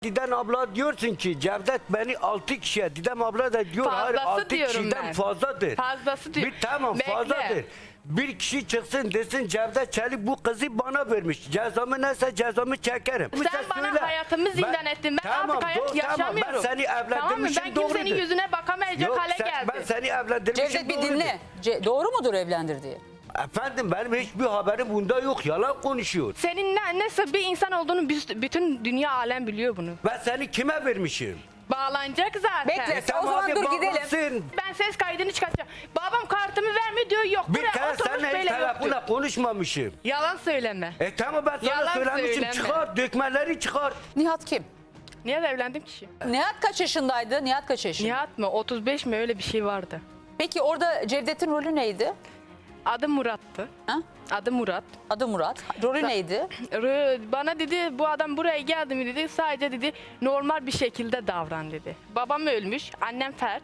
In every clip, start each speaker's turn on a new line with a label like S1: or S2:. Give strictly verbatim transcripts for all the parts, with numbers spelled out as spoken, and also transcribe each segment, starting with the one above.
S1: Didem abla diyorsun ki Cevdet beni altı kişiye, Didem abla da diyor hayır
S2: Fazlası
S1: altı
S2: diyorum
S1: kişiden
S2: ben.
S1: fazladır.
S2: Fazlası diyor.
S1: Bir tamam
S2: Bekle.
S1: fazladır. Bir kişi çıksın desin Cevdet Çelik bu kızı bana vermiş. Cezamı neyse cezamı çekerim.
S2: Sen
S1: Sen
S2: bana
S1: söyle.
S2: hayatımı zindan ettin. Ben
S1: tamam,
S2: artık hayat
S1: doğru, tamam.
S2: yaşamıyorum.
S1: Ben seni
S2: Tamam mı?
S1: evlendirmişim
S2: Ben
S1: doğrudur.
S2: kimsenin yüzüne bakamayacak
S1: Yok,
S2: hale
S1: sen-
S2: geldim.
S1: Ben seni evlendirmişim
S3: Cevdet bir
S1: doğrudur.
S3: dinle. Ce- doğru mudur evlendirdiği?
S1: Efendim benim hiçbir haberim bunda yok. Yalan konuşuyor.
S2: Senin ne, nasıl bir insan olduğunu biz- bütün dünya alem biliyor bunu.
S1: Ben seni kime vermişim?
S2: Bağlanacak zaten.
S3: Bekle.
S1: E tamam
S3: O zaman
S1: hadi
S3: dur gidelim.
S1: bağlansın.
S2: Ben ses kaydını çıkartacağım. Babam kartımı vermiyor diyor yok.
S1: Bir
S2: Buraya
S1: kere
S2: oturmuş
S1: seninle hiç
S2: böyle yok diyor.
S1: telefonla konuşmamışım.
S2: Yalan söyleme.
S1: E tamam ben sana
S2: Yalan
S1: söylemişim.
S2: söyleme.
S1: Çıkar dökmeleri çıkar.
S3: Nihat kim?
S2: Niye de evlendim ki?
S3: Nihat kaç yaşındaydı? Nihat kaç yaşında?
S2: Nihat mı? otuz beş mi öyle bir şey vardı.
S3: Peki orada Cevdet'in rolü neydi?
S2: Adı Murat'tı.
S3: Ha?
S2: Adı Murat.
S3: Adı Murat. Rolü neydi?
S2: Rı- Bana dedi bu adam buraya geldi mi dedi sadece dedi normal bir şekilde davran dedi. Babam ölmüş, annem felç.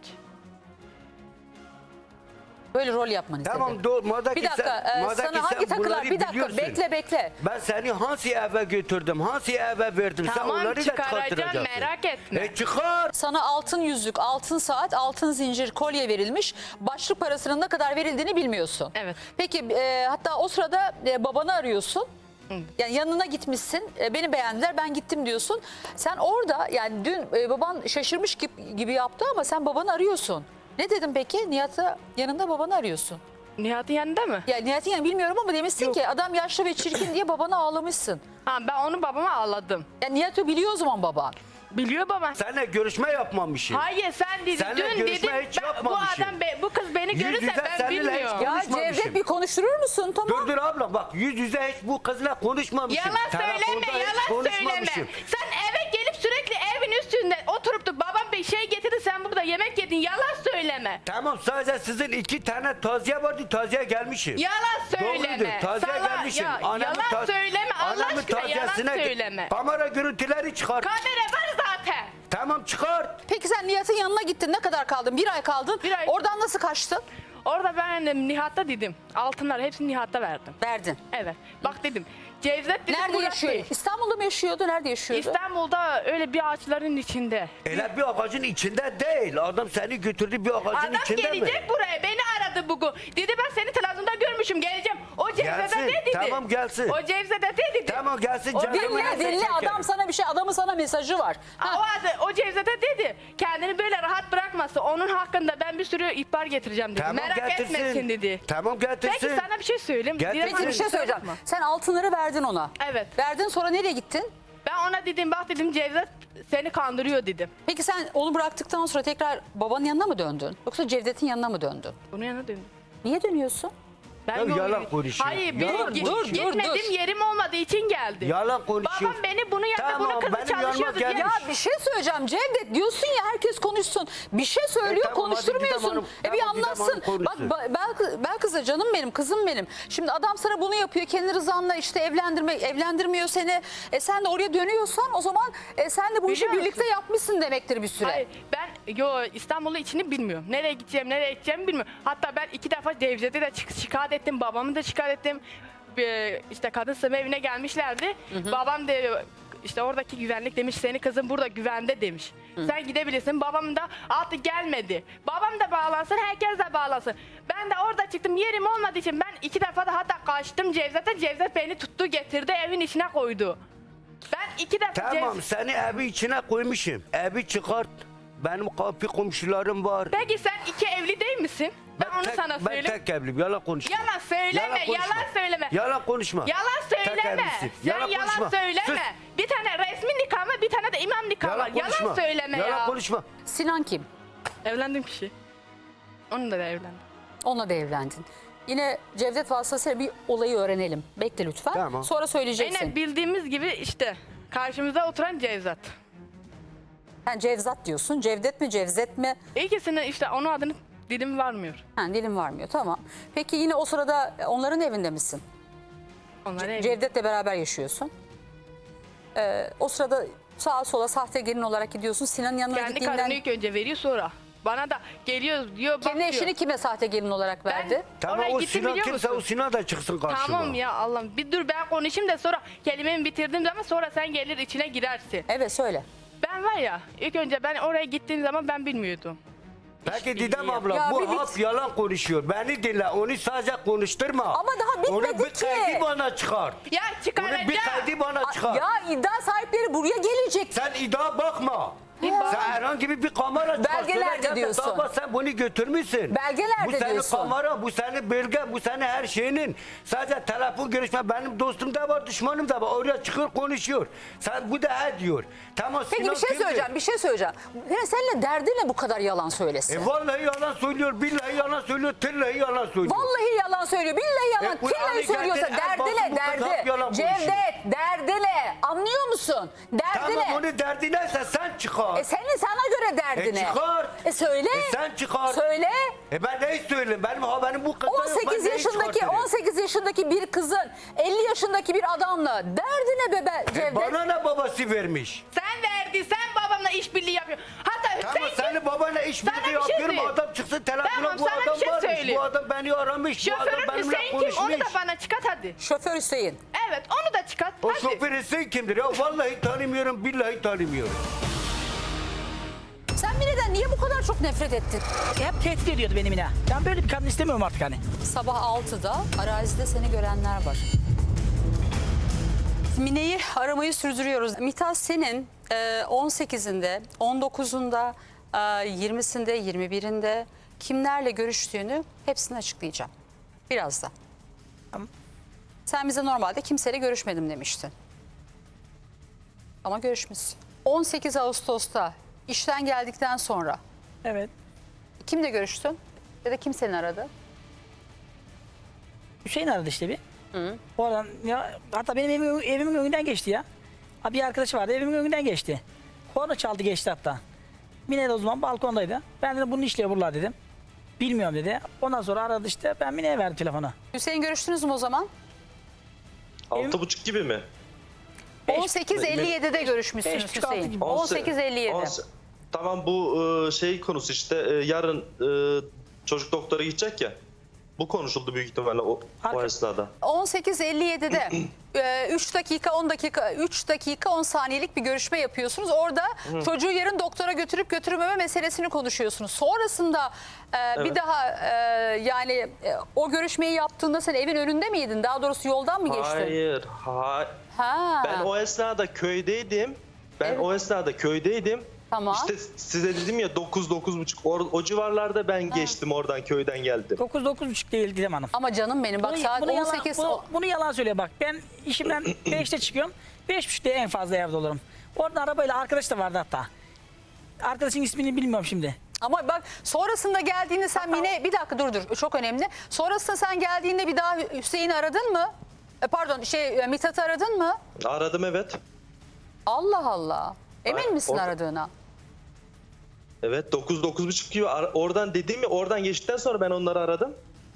S3: Böyle rol yapmanı istedi.
S1: Tamam doğru. Madem
S3: Bir
S1: ki
S3: dakika.
S1: sen,
S3: e,
S1: madem
S3: sana
S1: ki
S3: hangi
S1: sen
S3: takılar?
S1: bunları
S3: Bir dakika.
S1: biliyorsun.
S3: Bekle bekle.
S1: Ben seni hangi eve götürdüm? Hangi eve verdim? sen
S2: Tamam,
S1: onları da
S2: çıkaracağım,
S1: çıkartıracaksın.
S2: merak etme.
S1: E çıkar.
S3: Sana altın yüzük, altın saat, altın zincir, kolye verilmiş. Başlık parasının ne kadar verildiğini bilmiyorsun.
S2: Evet.
S3: Peki e, hatta o sırada e, babanı arıyorsun. Yani yanına gitmişsin. E, beni beğendiler, ben gittim diyorsun. Sen orada yani dün e, baban şaşırmış gibi, gibi yaptı ama sen babanı arıyorsun. Ne dedim peki? Nihat'ı yanında babanı arıyorsun.
S2: Nihat'ın yanında mı?
S3: Ya Nihat'ın yanında bilmiyorum ama demişsin
S2: Yok.
S3: ki adam yaşlı ve çirkin diye babana ağlamışsın.
S2: Ha, ben onu babama ağladım.
S3: Ya Nihat'ı biliyor o zaman baban.
S2: Biliyor baba.
S1: Seninle görüşme yapmamışım.
S2: Hayır sen dedin
S1: Seninle
S2: dün
S1: görüşme
S2: dedin
S1: hiç
S2: ben, bu
S1: yapmamışım.
S2: adam be- bu kız beni
S1: Yüz
S2: görürse
S1: yüze
S2: ben
S1: seninle hiç
S2: bilmiyorum.
S3: Ya
S1: Konuşmamışım.
S3: Cevdet bir konuşturur musun? Tamam.
S1: Dur dur abla bak yüz yüze hiç bu kızla konuşmamışım.
S2: Yalan
S1: Telefonda
S2: söyleme,
S1: hiç
S2: yalan söyleme.
S1: konuşmamışım.
S2: Sen eve gelip sürekli evin üstünde oturup da babam bir şey getirdi sen burada yemek yedin. Yalan söyleme.
S1: Tamam sadece sizin iki tane taziye vardı taziye gelmişim.
S2: Yalan söyleme.
S1: Doğrudur taziye
S2: Sala-
S1: gelmişim.
S2: ya,
S1: Anamın
S2: yalan
S1: ta-
S2: söyleme Allah
S1: anamın
S2: aşkına yalan
S1: taziyesine-
S2: söyleme.
S1: Kamera görüntüleri çıkar.
S2: Kamera var zaten.
S1: Tamam çıkar.
S3: Peki sen Nihat'ın yanına gittin. Ne kadar kaldın? Bir ay kaldın.
S2: Bir ay.
S3: Oradan nasıl kaçtın?
S2: Orada ben de Nihat'ta dedim. Altınlar hepsini Nihat'ta verdim.
S3: Verdin.
S2: Evet. Bak dedim. Cevdet dedim.
S3: Nerede
S2: Murat
S3: yaşıyor?
S2: Bey.
S3: İstanbul'da mı yaşıyordu? Nerede yaşıyordu?
S2: İstanbul'da öyle bir ağaçların içinde.
S1: Öyle bir ağacın içinde değil. Adam seni götürdü bir ağacın
S2: Adam
S1: içinde
S2: gelecek
S1: mi?
S2: buraya. Beni aradı bugün. Dedi ben seni televizyonda görmüşüm. Geleceğim. O Cevdet'e
S1: Gelsin,
S2: ne dedi?
S1: tamam gelsin.
S2: O Cevdet'e ne dedi?
S1: Tamam gelsin
S2: O
S1: canım.
S2: dinle,
S3: Dinle
S1: neyse
S3: dinle
S1: çekerim.
S3: adam sana bir şey adamın sana mesajı var.
S2: Aa,
S3: Ha,
S2: O, adı, o Cevdet'e dedi. Kendini böyle rahat bırakması. Onun hakkında ben bir sürü ihbar getireceğim dedi.
S1: Tamam
S2: Merak
S1: getirsin.
S2: etmesin dedi.
S1: Tamam getirsin.
S2: Peki sana bir şey söyleyeyim.
S1: Getirsin.
S2: Didem
S3: Peki bir
S2: Hanım,
S3: şey
S2: kusura
S3: söyleyeceğim.
S2: bakma.
S3: Sen altınları verdin ona.
S2: Evet.
S3: Verdin sonra nereye gittin?
S2: Ben ona dedim bak dedim Cevdet seni kandırıyor dedim.
S3: Peki sen onu bıraktıktan sonra tekrar babanın yanına mı döndün? Yoksa Cevdet'in yanına mı döndün?
S2: Bunun yanına döndüm.
S3: Niye dönüyorsun?
S2: Ben
S1: Ya
S2: yol-
S1: yalan konuşuyor.
S2: Hayır
S1: Yalan
S2: benim
S1: konuşuyor.
S3: Dur, dur,
S2: gitmediğim
S3: dur.
S2: yerim olmadığı için geldi.
S1: Yalan konuşuyor.
S2: Babam beni bunun yanında
S1: Tamam,
S2: bunun kızı
S1: benim yanıma
S2: çalışıyordu diye.
S1: gelmiş.
S3: Ya bir şey söyleyeceğim Cevdet diyorsun ya herkes konuşsun. Bir şey söylüyor
S1: E, tamam, hadi
S3: konuşturmuyorsun.
S1: Didem Hanım,
S3: e bir
S1: tamam, Didem
S3: anlatsın.
S1: Hanım konuşsun.
S3: Bak ba- ben, ben kızı canım benim kızım benim. Şimdi adam sana bunu yapıyor kendi rızanla işte evlendirme evlendirmiyor seni. E sen de oraya dönüyorsan o zaman e, sen de bu işi
S2: Biliyor
S3: birlikte
S2: musun?
S3: yapmışsın demektir bir süre.
S2: Hayır ben yo İstanbul'un içini bilmiyorum. Nereye gideceğim nereye gideceğimi bilmiyorum. Hatta ben iki defa Cevdet'e de çık- şikayet ettim. Babamı da şikayet ettim. Bir, işte kadın sığınma evine gelmişlerdi. Babam de işte oradaki güvenlik demiş seni kızın burada güvende demiş. Sen gidebilirsin. Babam da artık gelmedi. Babam da bağlansın herkes de bağlansın. Ben de orada çıktım yerim olmadığı için ben iki defa da hatta kaçtım Cevdet'e. Cevdet beni tuttu getirdi evin içine koydu. Ben iki defa
S1: Tamam
S2: Cev-
S1: seni evi içine koymuşum. Evi çıkart. Benim kapı komşularım var.
S2: Peki sen iki evli değil misin? Ben, onu
S1: tek,
S2: sana
S1: ben
S2: söyleyeyim.
S1: tek evliyim. Yalan konuşma.
S2: Yalan söyleme,
S1: konuşma.
S2: yalan söyleme.
S1: Yalan konuşma.
S2: Yalan
S1: Tek
S2: söyleme.
S1: evlisin.
S2: Sen
S1: Yalan
S2: yalan,
S1: konuşma.
S2: söyleme.
S1: Sus.
S2: Bir tane resmi nikah var, bir tane de imam nikah var.
S1: Yalan konuşma.
S2: Yalan söyleme
S1: Yalan
S2: ya.
S1: konuşma.
S3: Sinan kim?
S2: Evlendim kişi. Onunla da evlendim.
S3: Onunla da evlendin. Yine Cevdet vasıtasıyla bir olayı öğrenelim. Bekle lütfen.
S1: Tamam.
S3: Sonra söyleyeceksin.
S2: Aynen bildiğimiz gibi işte karşımıza oturan Cevzat.
S3: Sen Cevzat diyorsun. Cevdet mi Cevzet mi?
S2: İkisinin işte onun adını dilim varmıyor.
S3: Ha, dilim varmıyor tamam. Peki yine o sırada onların evinde misin?
S2: Onlar evli.
S3: Cevdet'le beraber yaşıyorsun. Ee, o sırada sağa sola sahte gelin olarak gidiyorsun. Sinan'ın yanına
S2: Kendi
S3: gittiğinden
S2: karını ilk önce veriyor sonra. Bana da geliyor diyor
S3: kendi
S2: bakıyor.
S3: eşini kime sahte gelin olarak
S2: Ben
S3: verdi?
S1: Tamam
S2: oraya
S1: o
S2: gittim
S1: Sinan
S2: biliyor
S1: kimse
S2: musun?
S1: o Sinan da çıksın karşıma.
S2: Tamam ya Allah'ım bir dur ben konuşayım da sonra kelimemi bitirdiğim zaman sonra sen gelir içine girersin.
S3: Evet söyle.
S2: Ben var ya ilk önce ben oraya gittiğim zaman ben bilmiyordum.
S1: Peki
S2: Hiçbir
S1: Didem
S2: bilgi yok.
S1: abla
S3: Ya
S1: bu
S3: bir bit-
S1: halk yalan konuşuyor. Beni dinle, onu sadece konuşturma.
S3: Ama daha
S1: Onu
S3: bitmedi
S1: bir
S3: ki.
S1: kaydı bana çıkart.
S2: Ya
S1: Onu
S2: çıkaracağım.
S1: bir kaydı bana çıkart.
S3: Ya iddia sahipleri buraya gelecek.
S1: Sen iddia bakma.
S2: İddia-
S1: Sen herhangi bir kamera çıkar.
S3: Belgelerde
S1: Söyle,
S3: diyorsun.
S1: Ama sen bunu götürmüşsün.
S3: Belgelerde
S1: bu senin
S3: diyorsun.
S1: kamera, bu senin belge, bu senin her şeyinin. Sadece telefon görüşme benim dostum da var, düşmanım da var. Oraya çıkıyor konuşuyor. Sen bu da he diyor. Tamam.
S3: Peki
S1: Sinan
S3: bir şey
S1: kimdir?
S3: söyleyeceğim, bir şey söyleyeceğim. Ya seninle derdi ne bu kadar yalan söylesin?
S1: E vallahi yalan söylüyor, billahi yalan söylüyor, tillahi yalan söylüyor.
S3: Vallahi yalan söylüyor, billahi yalan,
S1: E, bu
S3: tillahi
S1: Ali
S3: söylüyorsa
S1: Gerçek'in
S3: derdi
S1: el
S3: ne,
S1: basımı kadar
S3: derdi?
S1: yalan konuşuyor.
S3: Cevdet, derdi ne? Anlıyor musun? Derdi
S1: Tamam
S3: ne?
S1: onu derdi neyse sen çıkar.
S3: E senin sana göre derdi
S1: E,
S3: ne?
S1: çıkar.
S3: E söyle.
S1: E, sen çıkar.
S3: Söyle.
S1: E ben neyi söyleyeyim? Benim haberim bu kadar yok.
S3: on
S1: Ben
S3: sekiz
S1: neyi
S3: yaşındaki
S1: çıkartırım?
S3: on sekiz yaşındaki bir kızın elli yaşındaki bir adamla derdi ne be, be
S1: E,
S3: Cevdet?
S1: bana ne babası vermiş?
S2: Sen verdin, sen babamla işbirliği yapıyorsun. Hatta
S1: Ama
S2: Hüseyin
S1: senin babana
S2: Sana
S1: işbirliği
S2: bir şey
S1: yapıyorum.
S2: diyeyim.
S1: Adam çıksın telefona
S2: Tamam,
S1: bu
S2: sana bir
S1: adam
S2: şey
S1: varmış.
S2: söyleyeyim.
S1: Bu adam beni aramış. Bu adam
S2: şoförün
S1: benimle
S2: Hüseyin kim onu
S1: konuşmuş.
S2: da bana çıkart hadi.
S3: Şoför Hüseyin.
S2: Evet onu da çıkart.
S1: O
S2: hadi.
S1: şoför Hüseyin kimdir ya? Vallahi tanımıyorum, billahi tanımıyorum.
S3: Sen Mine'den niye bu kadar çok nefret ettin?
S4: Hep tehdit ediyordu beni Mine. Ben böyle bir kadın istemiyorum artık hani.
S3: Sabah altıda arazide seni görenler var. Mine'yi aramayı sürdürüyoruz. Mithat senin e, on sekizinde, on dokuzunda, e, yirmisinde, yirmi birinde kimlerle görüştüğünü hepsini açıklayacağım. Birazdan.
S4: Tamam.
S3: Sen bize normalde kimseyle görüşmedim demiştin. Ama görüşmüşsün. on sekiz Ağustos'ta işten geldikten sonra
S4: Evet.
S3: kimle görüştün? Ya da kim seni aradı?
S4: Hüseyin aradı işte bir. Oradan ya hatta benim evimin, evimin önünden geçti ya. Ha, bir arkadaşı vardı evimin önünden geçti. Korna çaldı geçti hatta. Mine de o zaman balkondaydı. Ben dedim bunun işliyor buralar dedim. Bilmiyorum dedi. Ondan sonra aradı işte ben Mine'ye verdim telefonu.
S3: Hüseyin görüştünüz mü o zaman?
S5: Altı buçuk gibi mi?
S4: Beş-
S3: on sekiz elli yedide
S4: beş
S3: görüşmüşsünüz
S4: buçuk, altı
S3: Hüseyin.
S4: gibi.
S3: on sekiz elli yedi.
S5: On se- Tamam bu e, şey konusu işte e, yarın e, çocuk doktora gidecek ya. Bu konuşuldu büyük ihtimalle o, o
S4: Arka-
S5: esnada.
S3: on sekiz elli yedide e, üç dakika on dakika üç dakika on saniyelik bir görüşme yapıyorsunuz. Orada çocuğu yarın doktora götürüp götürmeme meselesini konuşuyorsunuz. Sonrasında e, bir
S5: Evet.
S3: daha e, yani e, o görüşmeyi yaptığında sen evin önünde miydin? Daha doğrusu yoldan mı geçtin?
S5: Hayır. Ha,
S3: Ha.
S5: ben o esnada köydeydim. Ben
S3: Evet.
S5: o esnada köydeydim.
S3: Tamam.
S5: İşte size dedim ya dokuz dokuz buçuk o, o civarlarda ben geçtim oradan köyden geldim.
S4: dokuz dokuz buçuk değil Didem Hanım.
S3: Ama canım benim bak
S4: Bunu,
S3: saat
S4: bunu
S3: on
S4: yalan,
S3: sekiz.
S4: bunu, bunu yalan söylüyor bak. Ben işimden beşte çıkıyorum. beş buçukta en fazla evde olurum. Orada arabayla arkadaş da vardı hatta. Arkadaşın ismini bilmiyorum şimdi.
S3: Ama bak sonrasında geldiğinde sen Mine bir dakika dur dur çok önemli. Sonrasında sen geldiğinde bir daha Hüseyin'i aradın mı? E, pardon şey e, Mithat'ı aradın mı?
S5: Aradım evet.
S3: Allah Allah. Emin
S5: Hayır,
S3: misin
S5: orada-
S3: aradığına?
S5: Evet dokuz dokuz buçuk gibi ara- oradan dedim ya oradan geçtikten sonra ben onları aradım.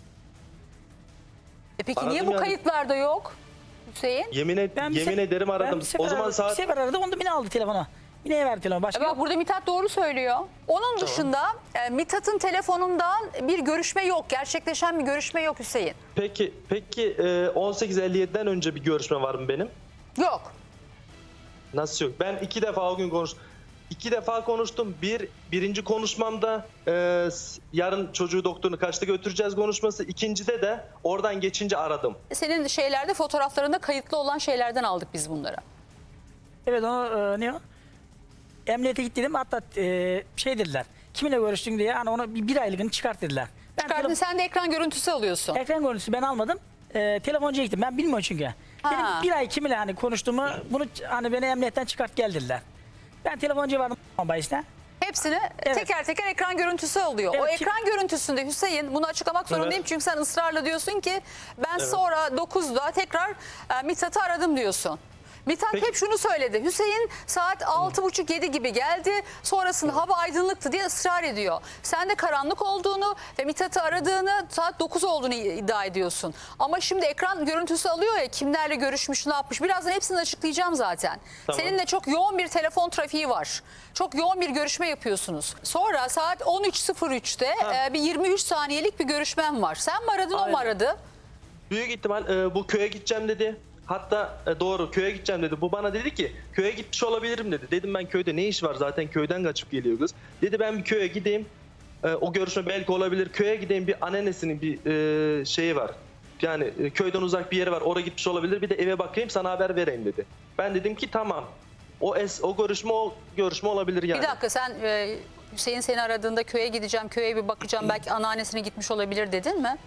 S3: E peki
S5: Aradım
S3: niye bu
S5: yani.
S3: kayıtlarda yok Hüseyin?
S5: Yemin et,
S4: Ben bir
S5: yemin
S4: se-
S5: ederim
S4: ben
S5: aradım.
S4: bir sefer
S5: O zaman
S4: aradım,
S5: saat
S4: Bir sefer aradı onu da Mine aldı telefonu. Mine'ye verdi telefonu. Başka
S3: E
S4: yok.
S3: bak burada Mithat doğru söylüyor. Onun dışında e, Mithat'ın telefonundan bir görüşme yok. Gerçekleşen bir görüşme yok Hüseyin.
S5: Peki peki e, on sekiz elli yediden önce bir görüşme var mı benim?
S3: Yok.
S5: Nasıl yok? Ben iki defa o gün konuş. İki defa konuştum. Bir birinci konuşmamda e, s- yarın çocuğu doktorunu kaçta götüreceğiz konuşması. İkincide de oradan geçince aradım.
S3: Senin şeylerde fotoğraflarında kayıtlı olan şeylerden aldık biz bunları.
S4: Evet onu e, ne o? Emniyete git dedim hatta e, şey dediler. Kiminle görüştün diye hani onu bir, bir aylığını çıkart dediler. Ben
S3: Çıkardın
S4: telefon-
S3: sen de ekran görüntüsü alıyorsun.
S4: ekran görüntüsü ben almadım. E, telefoncuya gittim. Ben bilmiyorum çünkü.
S3: Ha.
S4: Dedim bir ay kiminle hani konuştuğumu bunu hani beni emniyetten çıkart gel dediler. Ben telefoncuya vardım bahisine.
S3: Hepsini
S4: Evet.
S3: teker teker ekran görüntüsü alıyor. O
S4: Evet, kim-
S3: ekran görüntüsünde Hüseyin bunu açıklamak zorundayım
S5: Evet.
S3: çünkü sen ısrarla diyorsun ki ben sonra dokuzda tekrar e, Mithat'ı aradım diyorsun. Mithat
S5: Peki.
S3: hep şunu söyledi. Hüseyin saat altı buçuk yedi gibi geldi. Sonrasında hava aydınlıktı diye ısrar ediyor. Sen de karanlık olduğunu ve Mithat'ı aradığını saat dokuz olduğunu iddia ediyorsun. Ama şimdi ekran görüntüsü alıyor ya kimlerle görüşmüş ne yapmış. Birazdan hepsini açıklayacağım zaten.
S5: Tamam.
S3: Seninle çok yoğun bir telefon trafiği var. Çok yoğun bir görüşme yapıyorsunuz. Sonra saat on üç sıfır üçte
S5: Ha.
S3: e, bir yirmi üç saniyelik bir görüşmem var. Sen mi aradın o mu
S5: Aynen.
S3: aradı?
S5: Büyük ihtimal e, bu köye gideceğim dedi. Hatta e, doğru köye gideceğim dedi. Bu bana dedi ki köye gitmiş olabilirim dedi. Dedim ben köyde ne iş var, zaten köyden kaçıp geliyor kız. Dedi ben bir köye gideyim. E, o görüşme belki olabilir. Köye gideyim, bir anneannesinin bir e, şeyi var. Yani e, köyden uzak bir yeri var. Oraya gitmiş olabilir. Bir de eve bakayım, sana haber vereyim dedi. Ben dedim ki tamam. O es, o görüşme o görüşme olabilir yani.
S3: Bir dakika, sen e, Hüseyin seni aradığında köye gideceğim, köye bir bakacağım, belki anneannesine gitmiş olabilir dedin mi?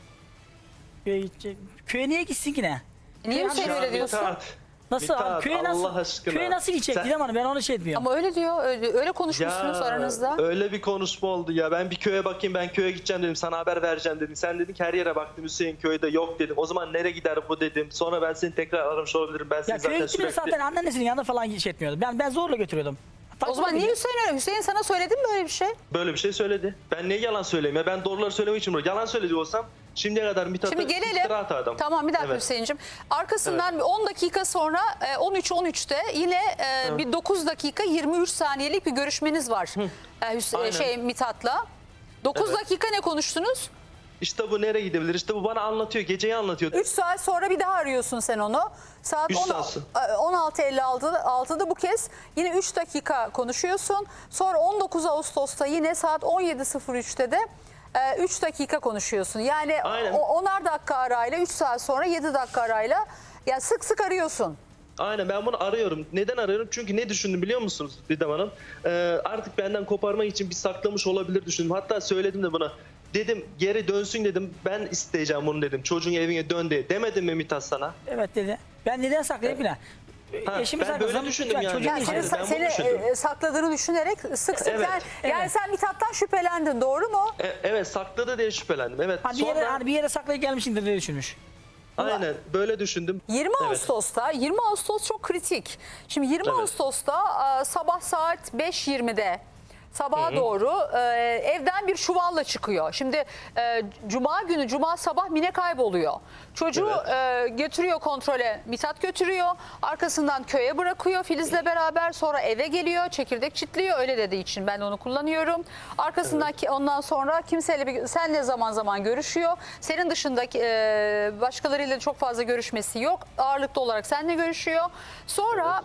S4: Köye, gidecek. Köye niye gitsin ki ne?
S3: E, niye
S4: Köye-
S3: Hüseyin
S5: Ya
S3: öyle diyorsun?
S5: Mithat,
S4: Nasıl
S5: Mithat,
S4: abi? Köye nasıl?
S5: Allah aşkına.
S4: Köye nasıl gidecek?
S5: Sen-
S4: Didem Hanım, ben onu şey etmiyorum.
S3: Ama öyle diyor, öyle, öyle konuşmuşsunuz
S5: Ya,
S3: aranızda.
S5: öyle bir konuşma oldu ya. Ben bir köye bakayım, ben köye gideceğim dedim. Sana haber vereceğim dedim. Sen dedin ki her yere baktım, Hüseyin köyde yok dedim. O zaman nereye gider bu dedim. Sonra ben seni tekrar aramış olabilirim. Ben seni
S4: Ya köye
S5: zaten
S4: gittiğimde
S5: sürekli...
S4: zaten anneannesinin yanına falan şey etmiyordum. Ben ben zorla götürüyordum.
S3: O zaman niye Hüseyin öyle? Hüseyin sana söyledi mi böyle bir şey?
S5: Böyle bir şey söyledi. Ben niye yalan söyleyeyim ya? Ben doğruları söylemek için buraya. Yalan söyledi olsam şimdiye kadar Mithat'a
S3: Şimdi gelelim.
S5: iftira atardım.
S3: Tamam, bir dakika
S5: Evet.
S3: Hüseyin'cim. Arkasından bir on dakika sonra e, on üç on üçte yine e, bir dokuz dakika yirmi üç saniyelik bir görüşmeniz var. E, Hüs-
S5: Aynen.
S3: şey Mithat'la. dokuz
S5: Evet.
S3: dakika ne konuştunuz?
S5: İşte bu nereye gidebilir? İşte bu bana anlatıyor. Geceyi anlatıyor.
S3: üç saat sonra bir daha arıyorsun sen onu. Saat
S5: Üç
S3: on-
S5: saat.
S3: e, on altı elli altıda bu kez yine üç dakika konuşuyorsun. Sonra on dokuz Ağustos'ta yine saat on yedi sıfır üçte de e, üç dakika konuşuyorsun. Yani
S5: Aynen.
S3: o- onar dakika arayla üç saat sonra yedi dakika arayla, yani sık sık arıyorsun.
S5: Aynen, ben bunu arıyorum. Neden arıyorum? Çünkü ne düşündüm biliyor musunuz Didem Hanım? Ee, artık benden koparmak için bir saklamış olabilir düşündüm. Hatta söyledim de buna. Dedim geri dönsün dedim. Ben isteyeceğim bunu dedim. Çocuğun evine dön diye. Demedim mi Mithat sana?
S4: Evet dedi. Ben neden saklayayım ki ne?
S5: Ha,
S4: Eşimi
S5: ben böyle
S4: saklasam,
S5: düşündüm yani.
S4: çocuğum
S3: Yani
S5: Hayır,
S3: seni,
S5: ben bunu
S3: seni
S5: düşündüm.
S3: e, sakladığını düşünerek sık sık
S5: Evet.
S3: yani, yani
S4: Evet.
S3: sen Mithat'tan şüphelendin, doğru mu?
S5: E, evet, sakladı diye şüphelendim. Evet.
S4: Hani bir yere,
S5: Sonra
S4: hani bir yere saklayıp gelmişimdir diye düşünmüş.
S5: aynen böyle düşündüm.
S3: yirmi
S5: Evet.
S3: Ağustos'ta, yirmi Ağustos çok kritik. Şimdi yirmi
S5: Evet.
S3: Ağustos'ta e, sabah saat beş yirmide sabaha doğru e, evden bir çuvalla çıkıyor. Şimdi e, cuma günü, cuma sabah Mine kayboluyor. Çocuğu e, götürüyor kontrole, Mithat götürüyor. Arkasından köye bırakıyor Filiz'le beraber. Sonra eve geliyor, çekirdek çitliyor. Öyle dediği için ben de onu kullanıyorum. Arkasından ki ondan sonra kimseyle bir, senle zaman zaman görüşüyor. Senin dışındaki e, başkalarıyla çok fazla görüşmesi yok. Ağırlıklı olarak seninle görüşüyor. Sonra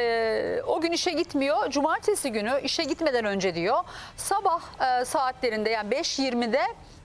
S3: e, o gün işe gitmiyor. Cumartesi günü işe gitmeden önce diyor. Sabah e, saatlerinde, yani beş yirmide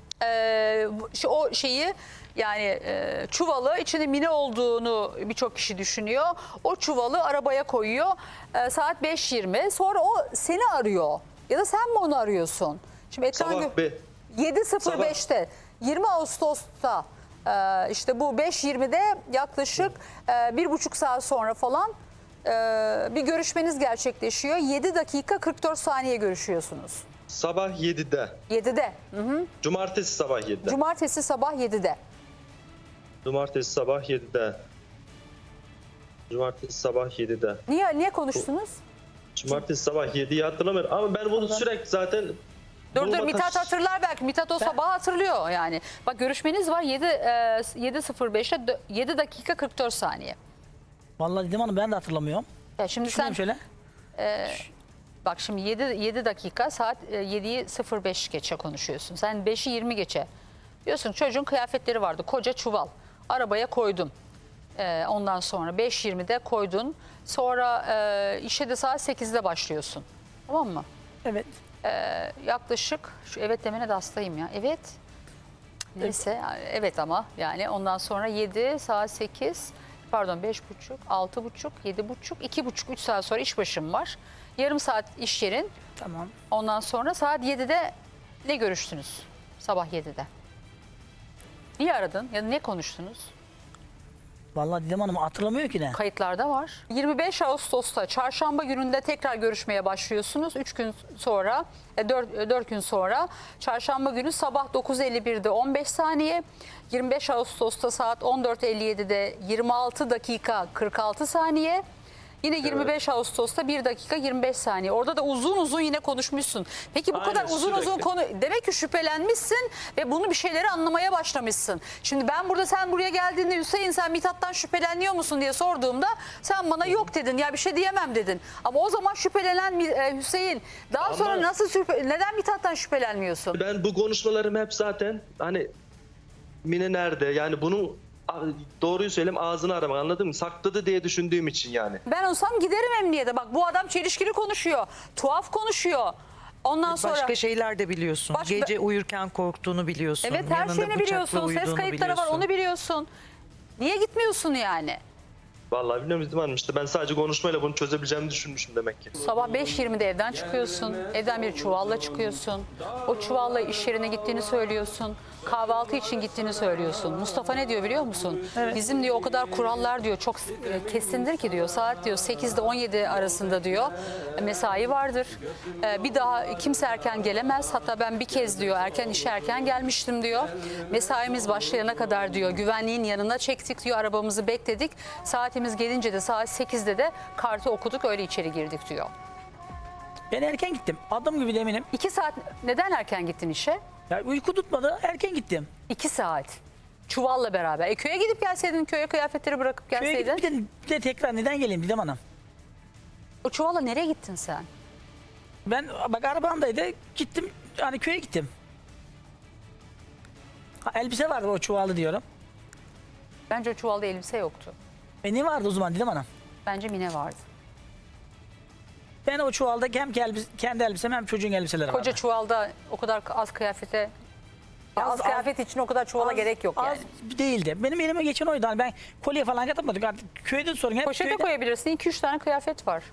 S3: e, şu- o şeyi, yani e, çuvalı, içinde Mine olduğunu birçok kişi düşünüyor. O çuvalı arabaya koyuyor. E, saat beş yirmi. Sonra o seni arıyor. Ya da sen mi onu arıyorsun? Şimdi ekran
S5: Sabah
S3: gö-
S5: be.
S3: yedi sıfır beşte yirmi Ağustos'ta e, işte bu beş yirmide yaklaşık e, bir buçuk saat sonra falan e, bir görüşmeniz gerçekleşiyor. yedi dakika kırk dört saniye görüşüyorsunuz.
S5: Sabah yedide.
S3: yedide. Hı hı.
S5: Cumartesi sabah yedide.
S3: Cumartesi sabah yedide.
S5: Cumartesi sabah yedide. Cumartesi sabah yedide.
S3: Niye niye konuştunuz?
S5: Cumartesi sabah yediyi hatırlamıyorum ama ben bunu sürekli zaten...
S3: Dur dur,
S5: bulma
S3: Mithat
S5: taş-
S3: hatırlar belki. Mithat o sabah hatırlıyor yani. Bak, görüşmeniz var yedi e, yedi sıfır beşte yedi dakika kırk dört saniye.
S4: Vallahi Didem Hanım, ben de hatırlamıyorum.
S3: Ya şimdi sen
S4: Düşüneyim şöyle.
S3: bak, şimdi yedi, yedi dakika, saat e, yediyi sıfır beş geçe konuşuyorsun. Sen beşi yirmi geçe. Diyorsun çocuğun kıyafetleri vardı. Koca çuval. Arabaya koydum. E, ondan sonra beş yirmide koydun. Sonra e, işe de saat sekizde başlıyorsun. Tamam mı?
S4: Evet.
S3: Yaklaşık, şu evet demene de hastayım ya. Evet. Neyse, evet ama yani ondan sonra yedi, saat sekiz, pardon beş buçuk, altı buçuk, yedi buçuk, iki buçuk, üç saat sonra iş başım var. Yarım saat iş yerin.
S4: Tamam.
S3: Ondan sonra saat yedide ne görüştünüz? Sabah yedide. Niye aradın ya da ne konuştunuz?
S4: Vallahi Didem Hanım hatırlamıyor ki ne.
S3: Kayıtlarda var. yirmi beş Ağustos'ta çarşamba gününde tekrar görüşmeye başlıyorsunuz. üç gün sonra, dört gün sonra çarşamba günü sabah dokuz elli birde on beş saniye. yirmi beş Ağustos'ta saat on dört elli yedide yirmi altı dakika kırk altı saniye. Yine yirmi beş Ağustos'ta bir dakika yirmi beş saniye. Orada da uzun uzun yine konuşmuşsun. Peki bu
S5: Aynen,
S3: kadar uzun uzun
S5: sürekli.
S3: konu, demek ki şüphelenmişsin ve bunu bir şeyleri anlamaya başlamışsın. Şimdi ben burada, sen buraya geldiğinde Hüseyin sen Mithat'tan şüpheleniyor musun diye sorduğumda sen bana yok dedin, ya bir şey diyemem dedin. Ama o zaman şüphelenen e, Hüseyin daha
S5: Ama-
S3: sonra nasıl şüphe, neden Mithat'tan şüphelenmiyorsun?
S5: Ben bu konuşmalarım hep zaten hani Mine nerede? Yani bunu a- doğruyu söyleyeyim ağzını aramak, anladın mı? Sakladı diye düşündüğüm için yani.
S3: Ben olsam giderim emniyete. Bak bu adam çelişkili konuşuyor. Tuhaf konuşuyor. Ondan sonra...
S6: Başka şeyler de biliyorsun.
S3: Başka-
S6: Gece uyurken korktuğunu biliyorsun.
S3: Evet, her
S6: Yanında
S3: şeyini
S6: bıçakla
S3: biliyorsun. Ses
S6: uyuduğunu
S3: kayıtları var,
S6: biliyorsun.
S3: onu biliyorsun. Niye gitmiyorsun yani?
S5: Vallahi bilmiyorum Didem Hanım, işte ben sadece konuşmayla bunu çözebileceğimi düşünmüşüm demek ki.
S3: Sabah beş yirmide evden çıkıyorsun. Evden bir çuvalla çıkıyorsun. O çuvalla iş yerine gittiğini söylüyorsun. Kahvaltı için gittiğini söylüyorsun. Mustafa ne diyor biliyor musun? Bizim diyor o kadar kurallar diyor çok e, kesindir ki diyor. Saat diyor sekizde on yedi arasında diyor mesai vardır. E, Bir daha kimse erken gelemez. Hatta ben bir kez diyor erken işe erken gelmiştim diyor. Mesaimiz başlayana kadar diyor güvenliğin yanına çektik diyor. Arabamızı bekledik. Saatimiz gelince de saat sekizde de kartı okuduk öyle içeri girdik diyor.
S4: Ben erken gittim. Adım gibi de eminim.
S3: İki saat neden erken gittin işe?
S4: Ya uyku tutmadı. Erken gittim.
S3: İki saat. Çuvalla beraber. E köye gidip gelseydin, köye kıyafetleri bırakıp
S4: Köye
S3: gelseydin.
S4: gidip bir de, bir de tekrar neden geleyim Didem Hanım?
S3: O çuvalla nereye gittin sen?
S4: Ben bak arabamdaydı. Gittim. Hani köye gittim. Ha, elbise vardı o çuvalı diyorum.
S3: Bence o çuvalda elbise yoktu.
S4: E ne vardı o zaman Didem Hanım?
S3: Bence mine vardı.
S4: Ben o çuvalda hem elbise, kendi elbisem hem çocuğun elbiseleri vardı.
S3: Koca çuvalda o kadar az kıyafete... Ya az,
S4: Az-
S3: kıyafet için o kadar çuvala
S4: Az-
S3: gerek yok
S4: az
S3: yani.
S4: değildi. Benim elime geçen oydu. Hani ben kolye falan katamadım. Artık köyde sorun. Hep
S3: Poşete
S4: köyde.
S3: koyabilirsin. iki üç tane kıyafet var.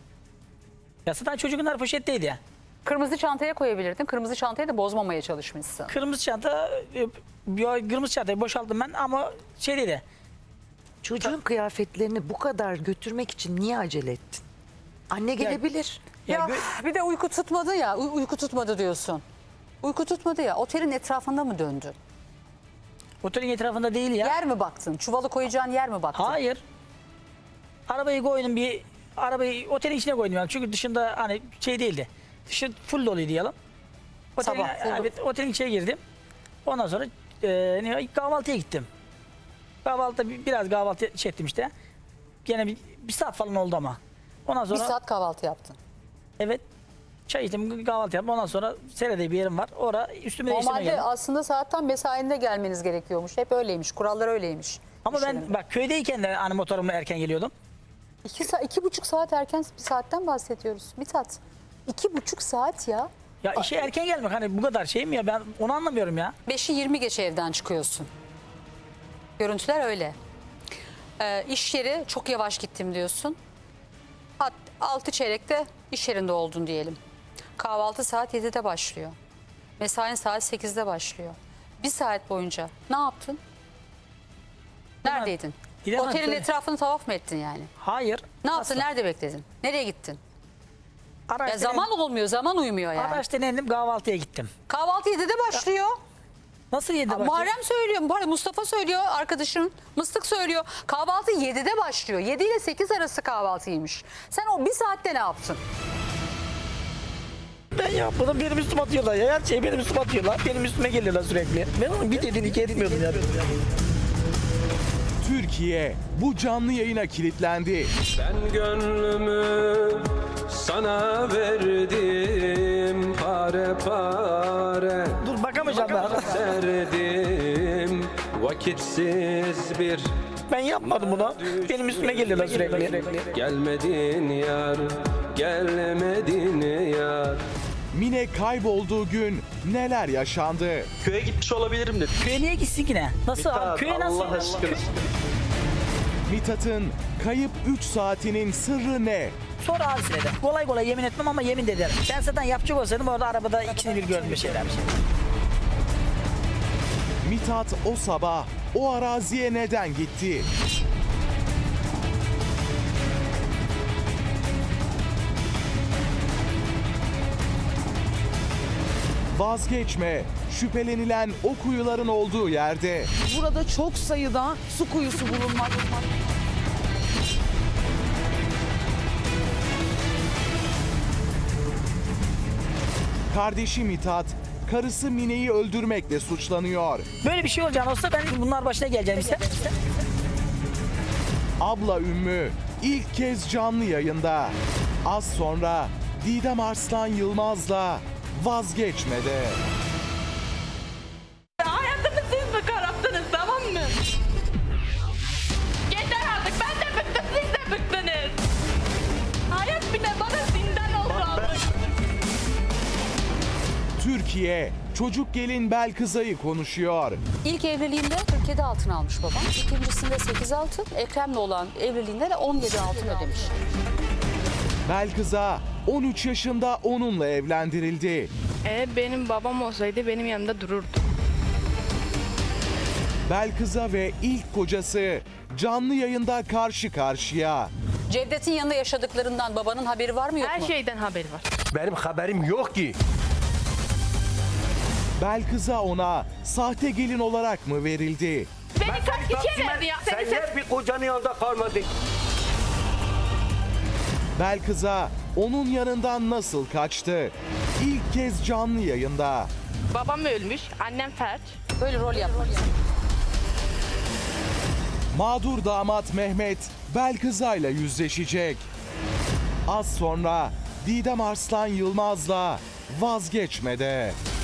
S4: Ya zaten çocuklar poşetteydi ya.
S3: Kırmızı çantaya koyabilirdin. Kırmızı çantayı da bozmamaya çalışmışsın.
S4: Kırmızı çanta, e, bir kırmızı çantayı boşalttım ben ama şey dedi.
S6: Çocuğun kıyafetlerini bu kadar götürmek için niye acele ettin? Anne gelebilir.
S4: Ya,
S3: Ya
S4: gö-
S3: bir de uyku tutmadı ya. uy- uyku tutmadı diyorsun. Uyku tutmadı ya. Otelin etrafında mı döndün?
S4: otelin etrafında değil ya.
S3: Yer mi baktın? Çuvalı koyacağın yer mi baktın?
S4: Hayır. Arabayı koydum bir arabayı otelin içine koydum yani. Çünkü dışında hani şey değildi. Dışı full doluydu diyelim. Otelin,
S3: Sabah full.
S4: evet, otelin içine girdim. Ondan sonra e, ne- kahvaltıya gittim. Kahvaltıda bir- biraz kahvaltı şey ettim işte. Gene bir, bir saat falan oldu ama. Ondan
S3: Bir
S4: sonra
S3: saat kahvaltı yaptın.
S4: evet çay içtim kahvaltı yaptım. Ondan sonra Sere'de bir yerim var. Orada üstümü değiştirmeye
S3: Normalde
S4: geldim.
S3: aslında saatten mesainde gelmeniz gerekiyormuş. Hep öyleymiş. Kurallar öyleymiş.
S4: Ama
S3: İş
S4: ben
S3: yerinde.
S4: bak köydeyken de hani motorumla erken geliyordum.
S3: İki, sa- iki buçuk saat erken bir saatten bahsediyoruz. Mithat. İki buçuk saat ya.
S4: Ya işe erken gelmek hani bu kadar şey mi ya ben onu anlamıyorum ya.
S3: Beşi yirmi geçe evden çıkıyorsun. Görüntüler öyle. Ee, iş yeri çok yavaş gittim diyorsun. Hat, altı çeyrekte iş yerinde oldun diyelim. Kahvaltı saat yedide başlıyor. Mesain saat sekizde başlıyor. Bir saat boyunca ne yaptın? Neredeydin?
S4: Gidemem,
S3: Otelin
S4: söyle.
S3: etrafını tavaf mı ettin yani?
S4: Hayır.
S3: Ne yaptın?
S4: asla.
S3: Nerede bekledin? Nereye gittin? Ya
S4: Araçtan
S3: zaman olmuyor, zaman uymuyor yani.
S4: Araçtan indim kahvaltıya gittim.
S3: Kahvaltı yedide başlıyor.
S4: Nasıl yedi başlıyor?
S3: Muharrem söylüyor, Muharrem- Mustafa söylüyor, arkadaşın Mıstık söylüyor. Kahvaltı yedide başlıyor. yedi ile sekiz arası kahvaltıymış. Sen o bir saatte ne yaptın?
S4: Ben yapmadım benim üstüme atıyorlar ya. Her şeyi benim üstüme atıyorlar. Benim üstüme geliyorlar sürekli. Ben onun bir dediğini iki etmiyordum ya.
S7: Türkiye bu canlı yayına kilitlendi.
S8: Ben gönlümü sana verdim, pare pare
S4: Dur bakamayacağım ben.
S8: serdim, vakitsiz bir
S4: Ben yapmadım bunu. Benim üstüme geliyorlar sürekli.
S8: gelmedin yar, gelmedin yar.
S7: Mine kaybolduğu gün neler yaşandı?
S5: Köye gitmiş olabilirim dedi.
S4: Köye niye gitsin ki ne? Nasıl abi?
S5: Mithat,
S4: Köye nasıl?
S5: Allah aşkına.
S7: Mithat'ın kayıp üç saatinin sırrı ne?
S4: Sonra hadisede. Kolay kolay yemin etmem ama yemin de ederim. Ben zaten yapacak olsaydım orada arabada ikisini bir gördüm bir şeyler.
S7: Mithat o sabah o araziye neden gitti? Vazgeçme, şüphelenilen o kuyuların olduğu yerde.
S9: Burada çok sayıda su kuyusu bulunmakta.
S7: Kardeşi Mithat, karısı Mine'yi öldürmekle suçlanıyor.
S4: Böyle bir şey olacağını olsa ben bunlar başına geleceğim işte.
S7: Abla Ümmü ilk kez canlı yayında. Az sonra Didem Arslan Yılmaz'la Vazgeçmede.
S2: Hayatımı siz mi kararttınız, tamam mı?
S7: Türkiye çocuk gelin Belkıza'yı konuşuyor.
S3: İlk evliliğinde kırk yedi altın almış babam. İkincisinde sekiz altın. Ekrem'le olan evliliğinde de on yedi altın ödemiş.
S7: Belkıza on üç yaşında onunla evlendirildi.
S2: Eğer benim babam olsaydı benim yanımda dururdu.
S7: Belkıza ve ilk kocası canlı yayında karşı karşıya.
S3: Cevdet'in yanında yaşadıklarından babanın haberi var mı yok
S2: Her
S3: mu?
S2: şeyden haberi var.
S1: Benim haberim yok ki.
S7: Belkıza ona sahte gelin olarak mı verildi?
S2: Beni
S1: Ben
S2: kaç
S1: seni
S2: kişiye
S1: Taksim'e-
S2: verdi ya?
S1: Sen
S2: Seni
S1: niye bir kocanın yanında kalmadın?
S7: Belkıza onun yanından nasıl kaçtı? İlk kez canlı yayında.
S2: Babam ölmüş, annem felç.
S3: Böyle rol yapmak.
S7: Mağdur damat Mehmet Belkıza'yla yüzleşecek. Az sonra Didem Arslan Yılmaz'la Vazgeçme'de.